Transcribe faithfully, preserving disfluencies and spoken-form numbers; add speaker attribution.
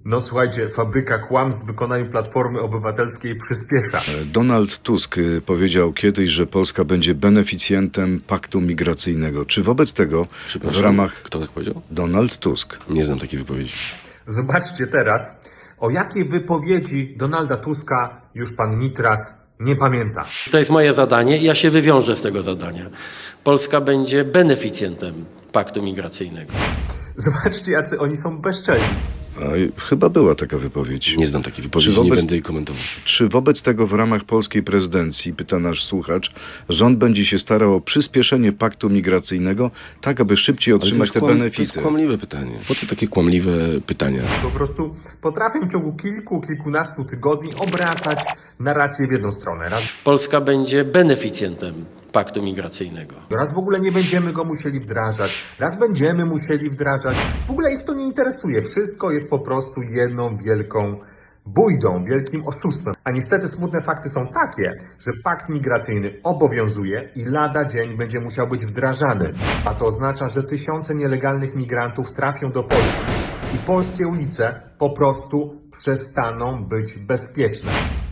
Speaker 1: No słuchajcie, fabryka kłamstw w wykonaniu Platformy Obywatelskiej przyspiesza.
Speaker 2: Donald Tusk y, powiedział kiedyś, że Polska będzie beneficjentem paktu migracyjnego. Czy wobec tego w
Speaker 3: Przepraszam,
Speaker 2: ramach...
Speaker 3: kto tak powiedział?
Speaker 2: Donald Tusk.
Speaker 3: Nie znam takiej wypowiedzi.
Speaker 1: Zobaczcie teraz, o jakiej wypowiedzi Donalda Tuska już pan Nitras nie pamięta.
Speaker 4: To jest moje zadanie i ja się wywiążę z tego zadania. Polska będzie beneficjentem paktu migracyjnego.
Speaker 1: Zobaczcie, jacy oni są bezczelni.
Speaker 2: A, y, chyba była taka wypowiedź.
Speaker 3: Nie znam takiej wypowiedzi,
Speaker 2: Czy wobec-
Speaker 3: nie będę jej komentował.
Speaker 2: Czy wobec tego w ramach polskiej prezydencji, pyta nasz słuchacz, rząd będzie się starał o przyspieszenie paktu migracyjnego, tak aby szybciej
Speaker 3: Ale to
Speaker 2: otrzymać
Speaker 3: jest
Speaker 2: te
Speaker 3: kłam- To
Speaker 2: benefity?
Speaker 3: jest kłamliwe pytanie. Po co takie kłamliwe pytania?
Speaker 1: Po prostu potrafią w ciągu kilku, kilkunastu tygodni obracać narrację w jedną stronę. Raz,
Speaker 4: Polska będzie beneficjentem paktu migracyjnego.
Speaker 1: raz w ogóle nie będziemy go musieli wdrażać, raz będziemy musieli wdrażać. W ogóle ich to nie interesuje. Wszystko jest po prostu jedną wielką bójdą, wielkim oszustwem. A niestety smutne fakty są takie, że pakt migracyjny obowiązuje i lada dzień będzie musiał być wdrażany. A to oznacza, że tysiące nielegalnych migrantów trafią do Polski i polskie ulice po prostu przestaną być bezpieczne.